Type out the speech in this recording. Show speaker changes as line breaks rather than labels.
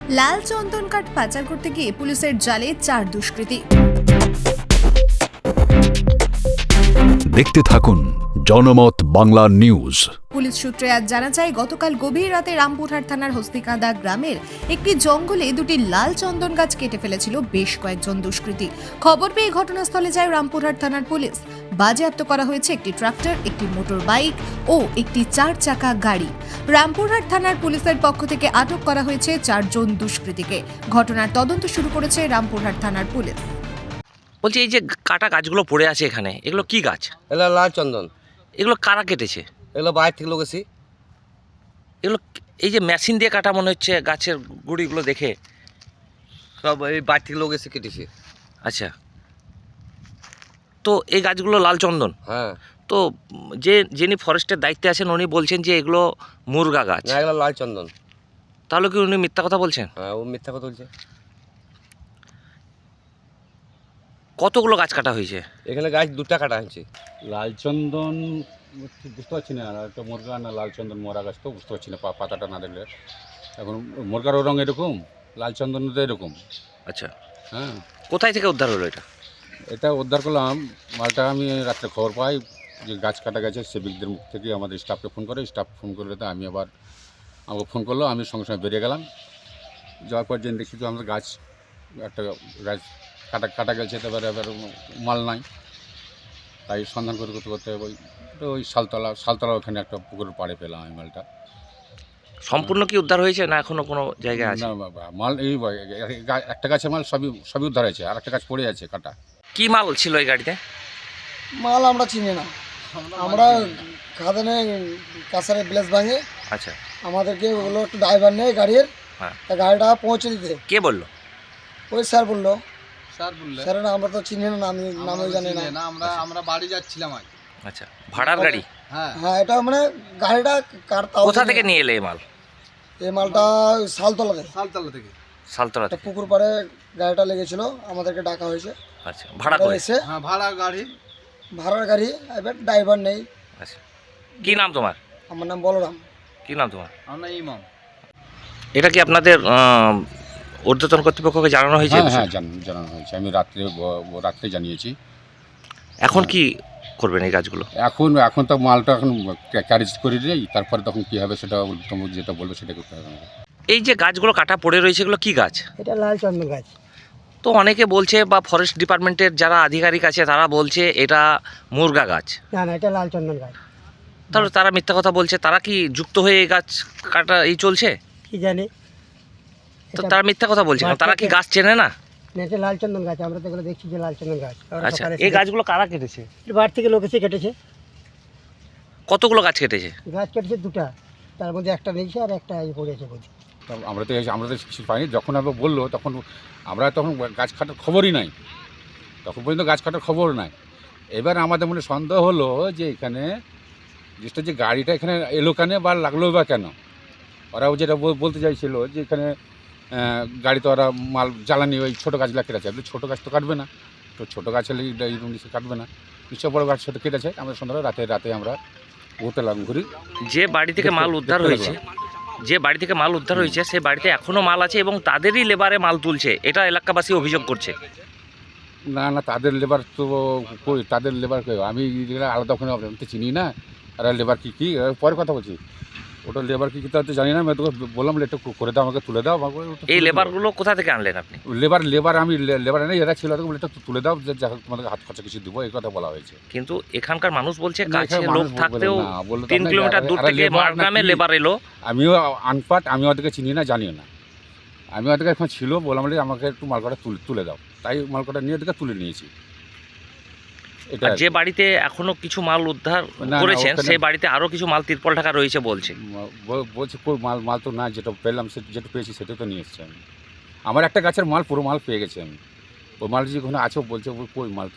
লাল চন্দন কাঠ পাচার করতে গিয়ে পুলিশের জালে 4 দুষ্কৃতী।
দেখতে থাকুন জনমত বাংলা নিউজ।
পুলিশ সূত্রে আজ জানা যায়, গতকাল গভীর রাতে রামপুরহাট থানার হস্তিকাঁদা গ্রামের একটি জঙ্গলে দুটি লাল চন্দন গাছ কেটে ফেলেছিল বেশ কয়েকজন দুষ্কৃতী। খবর পেয়ে ঘটনাস্থলে যায় রামপুরহাট থানার পুলিশ। বাজেয়াপ্ত করা হয়েছে একটি ট্রাক্টর, একটি মোটর বাইক ও একটি 4 চাকা গাড়ি। রামপুরহাট থানার পুলিশের পক্ষ থেকে আটক করা হয়েছে 4 জন দুষ্কৃতীকে। ঘটনার তদন্ত শুরু করেছে রামপুরহাট থানার পুলিশ।
বলছি, এই যে কাটা গাছগুলো পড়ে আছে এখানে, এগুলো কি গাছ?
এগুলো লাল চন্দন।
এগুলো কারা কেটেছে?
এগুলো বাইরে থেকে লোক এসি।
এগুলো এই যে মেশিন দিয়ে কাটা মনে হচ্ছে, গাছের গুঁড়িগুলো দেখে।
সব এই বাইরে থেকে লোক এসে কেটেছে।
আচ্ছা, তো এই গাছগুলো লাল চন্দন।
হ্যাঁ,
তো যিনি ফরেস্টের দায়িত্বে আছেন উনি বলছেন যে এগুলো মুরগা গাছ।
না এগুলো লাল চন্দন।
তাহলে কি উনি মিথ্যা কথা বলছেন?
হ্যাঁ, ও মিথ্যা কথা বলছে।
কতগুলো গাছ কাটা হয়েছে?
এখানে গাছ 2টা কাটা হয়েছে।
লালচন্দন ঠিক বুঝতে পারছি না, আর একটা মুরগা না লালচন্দন মরা গাছ তো বুঝতে পারছি না পাতাটা না দেখলে। এখন মুরগারও রঙ এরকম, লালচন্দন তো এরকম।
আচ্ছা,
হ্যাঁ,
কোথায় থেকে উদ্ধার হলো এটা?
এটা উদ্ধার করলাম মালটা। আমি রাত্রে খবর পাই যে গাছ কাটা গেছে, সেবিকদের মুখ থেকে আমাদের স্টাফকে ফোন করে। স্টাফ ফোন করলে তো আমি আবার আমাকে ফোন করলো, আমি সঙ্গে সঙ্গে বেরিয়ে গেলাম। যাওয়ার পর যেন দেখি তো আমাদের গাছ একটা গাছ কাটা গেছে, তারপরে এবার মাল নাই। তাই সন্ধান করতে করতে ওই শালতলা ওখানে একটা পুকুরের পাড়ে পেলাম আমি মালটা।
সম্পূর্ণ কি উদ্ধার হয়েছে না এখনো কোনো জায়গায় আছে?
না মাল এই একটা গাছের মাল সবই উদ্ধার হয়েছে, আর একটা গাছ পড়ে আছে কাটা।
কি মাল ছিল এই গাড়িতে?
মাল আমরা চিনি না। আমরা খাদানে কাছারে ব্লেস ভাঙে
আচ্ছা,
আমাদেরকে বললো একটু ড্রাইভার নেই গাড়ির,
হ্যাঁ।
তা গাড়িটা পৌঁছে দিতে।
কে বললো?
ওই স্যার বললো।
বললে
স্যার না, আমরা তো চিনি না, আমি নামও জানি না।
আমরা বাড়ি যাচ্ছিলাম আজ।
আচ্ছা, ভাড়ার গাড়ি?
হ্যাঁ,
হ্যাঁ, এটা মানে গাড়িটা
কোথা থেকে নিয়ে এলে এই মাল?
এই মালটা শালতলাতে
সালতলা থেকে।
সালতলা
একটা
থেকে।
পুকুর পাড়ে গাড়িটা লেগেছিল, আমাদেরকে ডাকা হয়েছে।
আচ্ছা, ভাড়া করে?
এসে
হ্যাঁ, ভাড়া গাড়ি।
ভাড়ার গাড়ি, এবার ড্রাইভার নেই।
আচ্ছা, কি নাম তোমার?
আমার নাম বলরাম।
কি নাম তোমার?
আমরা ইমাম।
এটা কি আপনাদের ঊর্ধ্বতন কর্তৃপক্ষকে জানানো হয়েছে?
হ্যাঁ হ্যাঁ, জানানো হয়েছে। আমি রাত্রে জানিয়েছি।
এখন কি করবেন এই গাছগুলো?
এখন তো মালটা এখন ক্যারেজ করে দিই, তারপরে তখন কী হবে সেটা তোমার যেটা বলবে সেটা করতে হবে আমাকে।
এই যে গাছগুলো কাটা পড়ে রয়েছে, এগুলো কি গাছ?
এটা লাল চন্দন গাছ।
তো অনেকে বলছে, বা ফরেস্ট ডিপার্টমেন্টের যারা আধিকারিক আছে তারা বলছে এটা মুরগা গাছ।
না না, এটা লাল চন্দন গাছ।
তাহলে তারা মিথ্যা কথা বলছে। তারা কি যুক্ত হয়ে এই গাছ কাটা এই চলছে?
কি জানি,
তো তারা মিথ্যা কথা বলছে কেন? তারা কি গাছ চেনে না?
এটা লাল চন্দন গাছ, আমরা তো এগুলো দেখছি যে লাল চন্দন গাছ।
আচ্ছা, এই গাছগুলো কারা কেটেছে?
বাড়ি থেকে লোক এসে কেটেছে।
কতগুলো গাছ কেটেছে?
গাছ কেটেছে 2টা, তার মধ্যে একটা নিয়েছে আর একটা পড়েছে বলছি।
আমরা তো কিছু পাইনি। যখন আমরা বললো তখন তখন গাছ কাটার খবরই নাই, তখন পর্যন্ত গাছ কাটার খবর নাই। এবার আমাদের মনে সন্দেহ হলো যে এখানে যে গাড়িটা এখানে এলো কেন বা লাগলো বা কেন। ওরাও যেটা বলতে চাইছিল যে এখানে গাড়িতে ওরা মাল জ্বালানি ওই ছোটো গাছগুলো কেটেছে। ছোটো গাছ তো কাটবে না, তো ছোটো গাছ হলে কাটবে না, নিশ্চয় বড়ো গাছ সেটা কেটেছে। আমরা সন্ধ্যা রাতে আমরা ঘুরতে লাগলাম, ঘুরি।
যে বাড়ি থেকে মাল উদ্ধার হয়েছে, সেই বাড়িতে এখনো মাল আছে এবং তাদেরই লেবারে মাল তুলছে, এটা এলাকাবাসী অভিযোগ করছে।
না, তাদের লেবার তো কই, তাদের লেবার কই? আমি আলাদা ওখানে আমি তো চিনি না। আর লেবার কী পরে কথা বলছি, ওটা লেবার কী তা তো জানি না। আমি তোকে বললাম একটু করে দাও, আমাকে তুলে দাও।
এই লেবারগুলো কোথা থেকে আনলেন আপনি?
লেবার আমি লেবার নেই, এরা ছিল, একটু তুলে দাও, যে তোমাদের হাত খরচা কিছু দিব, এই কথা বলা হয়েছে।
কিন্তু এখানকার মানুষ বলছে
না,
কাছে
এখানে
লোক
মানুষ
থাকতেও
বলে না, বললে তো
3
আমরা
কিলোমিটার দূর
এরা
থেকে
লেবার
মার গ্রামে
নাকি?
লেবার এলো।
আমিও আনপাট, আমি ওদেরকে চিনি না, জানিও না। আমি ওদেরকে এখন ছিল, বললাম যে আমাকে একটু মালকটা তুলে দাও, তাই মালকটা নিয়ে ওদেরকে তুলে নিয়েছি। এটা
আর যে বাড়িতে এখনো কিছু মাল উদ্ধার
না,
করেছেন
ওখানে-
সেই বাড়িতে আরো কিছু মাল তিরপল ঢাকা রয়েছে বলছে।
বলছে কই মাল তো না, যেটা পেলাম যেটা পেয়েছি সেটা তো নিয়ে এসছি আমি। আমার একটা গাছের মাল, পুরো মাল পেয়ে গেছি আমি। ওই মাল যেখানে আছে বলছে কই মাল